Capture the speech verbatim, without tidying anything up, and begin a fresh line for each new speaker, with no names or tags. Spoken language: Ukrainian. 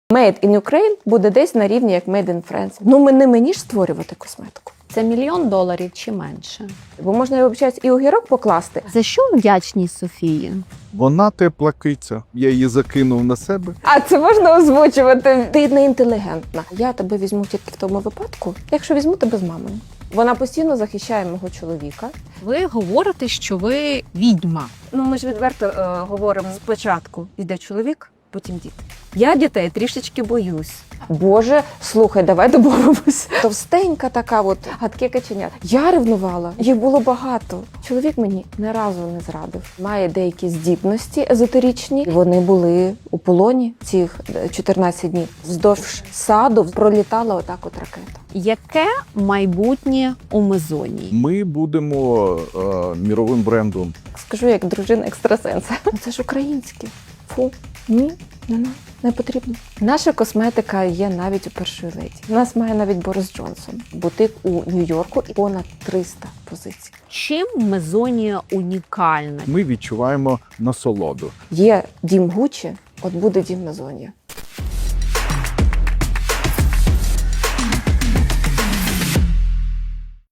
Made in Ukraine буде десь на рівні, як Made in France. Ну, ми не мені ж створювати косметику.
Це мільйон доларів чи менше?
Бо можна, я вибачаюсь, і огірок покласти.
За що вдячність Софії?
Вона тепла киця. Я її закинув на себе.
А це можна озвучувати? Ти не інтелігентна. Я тебе візьму тільки в тому випадку, якщо візьму тебе з мамою. Вона постійно захищає мого чоловіка.
Ви говорите, що ви відьма.
Ну, ми ж відверто е, говоримо, спочатку йде чоловік, потім діти. Я дітей трішечки боюсь.
Боже, слухай, давай домовимось. Товстенька така, от гадке каченя. Я ревнувала, їх було багато. Чоловік мені ні разу не зрадив. Має деякі здібності езотеричні. Вони були у полоні цих чотирнадцять днів. Вздовж саду пролітала отак от ракета.
Яке майбутнє у Мезонії?
Ми будемо е, міровим брендом.
Скажу, як дружина екстрасенса. Ну, це ж українське. Фу, ні, не, не, не потрібно. Наша косметика є навіть у першої леді. У нас має навіть Борис Джонсон. Бутик у Нью-Йорку і понад триста позицій.
Чим Мезонія унікальна?
Ми відчуваємо насолоду.
Є дім Гуччі, от буде дім Мезонія.